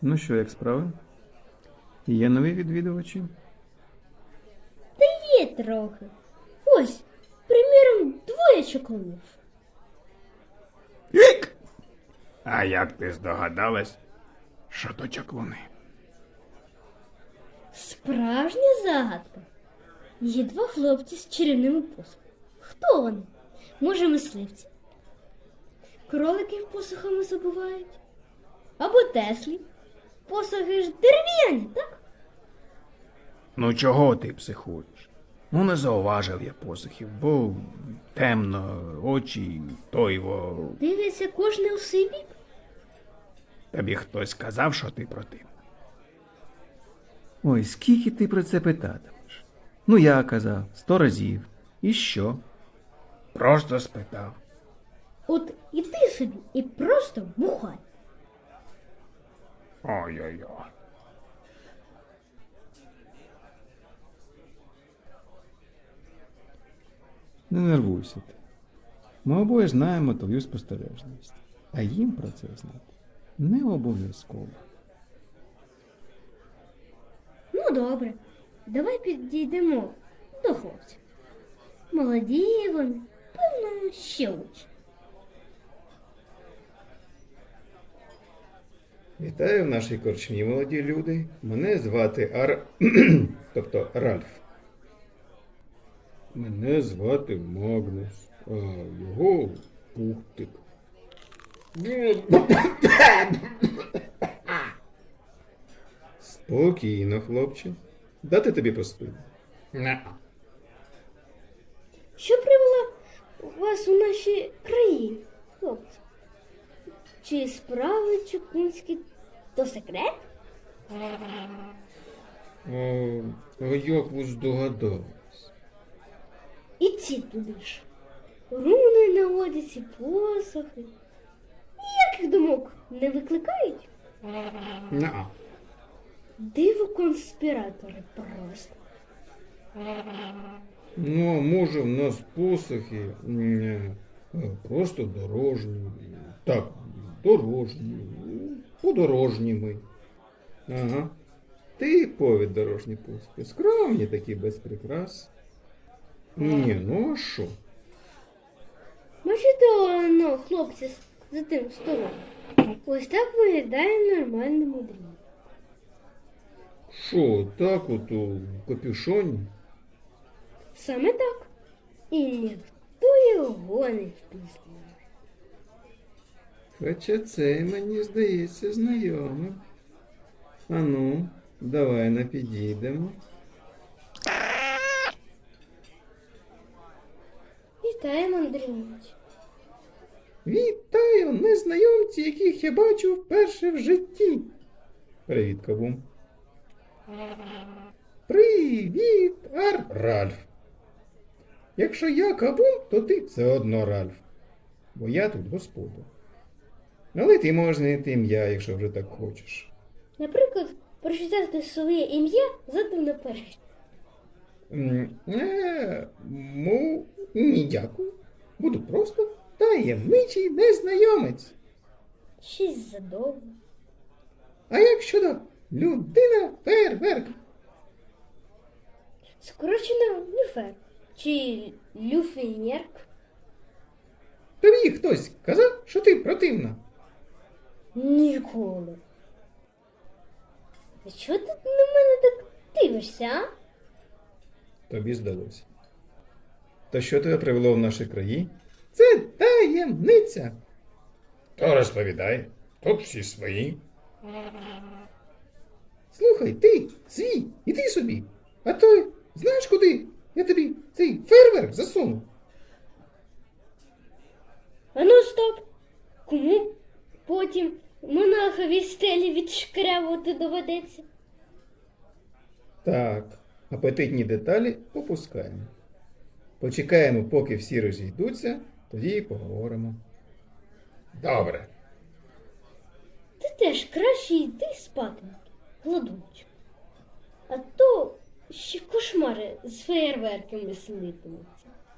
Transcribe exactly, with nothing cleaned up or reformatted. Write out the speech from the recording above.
Ну що, як справи? Є нові відвідувачі? Є трохи. Ось, приміром, двоє чаклунів. Ік! А як ти здогадалась, що то чаклуни? Справжня загадка. Є два хлопці з чарівними посухами. Хто вони? Може, мисливці? Кроликів посухами забувають? Або Теслі? Посухи ж дерев'яні, так? Ну чого ти психуєш? Ну не зауважив я посухів, бо темно, очі, тойво. Дивиться кожне у свій бік. Тобі хтось сказав, що ти противна. Ой, скільки ти про це питатимеш? Ну, я казав, сто разів. І що? Просто спитав. От іди собі і просто бухай. Ой-ой-ой. Не нервуйся ти. Ми обоє знаємо твою спостережність. А їм про це знати не обов'язково. Ну, добре. Давай підійдемо до хлопців. Молоді вони, певно, ще учать. Вітаю в нашій корчмі, молоді люди. Мене звати Ар... тобто Ральф. Мене звати Магнус, а його Пухтик. Спокійно, хлопче. Дати тобі поспити? Не. Що привело вас у наші країни, хлопці? Чи справи чукунські то секрет? А, а як ви здогадались? І ці туди ж. Руни наводять і посохи. Ніяких думок не викликають? Не. Диво конспіратори просто. Ну, а може в нас посохи м, е, просто дорожні. Так, дорожні. Подорожні ми. Ага. Типові дорожні посохи. Скромні такі, без прикрас. Ні, ну а що? Бачите, ну, хлопці з- за тим столом. Ось так виглядає нормальне мудріння. Що, так от у капюшоні? Саме так. І ніхто його не впізнає. Хоча це мені здається знайомим. Ану, давай на підійдемо. Вітаю, мандрівнич. Вітаю, незнайомці, яких я бачу вперше в житті. Привіт, Кабум. Привіт, Ар... Ральф. Якщо я Кабум, то ти все одно Ральф. Бо я тут господар. Але ти можеш знайти ім'я, якщо вже так хочеш. Наприклад, прочитати своє ім'я задом наперед. М, Е, му, ні, дякую. Буду просто таємничий незнайомець. Щось задовго. А як щодо людина фейерверк? Скорочено люфер. Чи люфенєрк. Тобі хтось казав, що ти противна? Ніколи. А чого ти на мене так дивишся, а? Тобі здалося. То що тебе привело в наші краї? Це таємниця. То розповідай, тут всі свої. Слухай, ти свій, іди собі. А то знаєш куди? Я тобі цей фейерверк засуну. А ну стоп! Кому потім монахові стелі відшкрябувати доведеться? Так, апетитні деталі попускаємо. Почекаємо, поки всі розійдуться, тоді і поговоримо. Добре. Ти теж краще йди спати, гладунчик. А то ще кошмари з феєрверками снитимуться.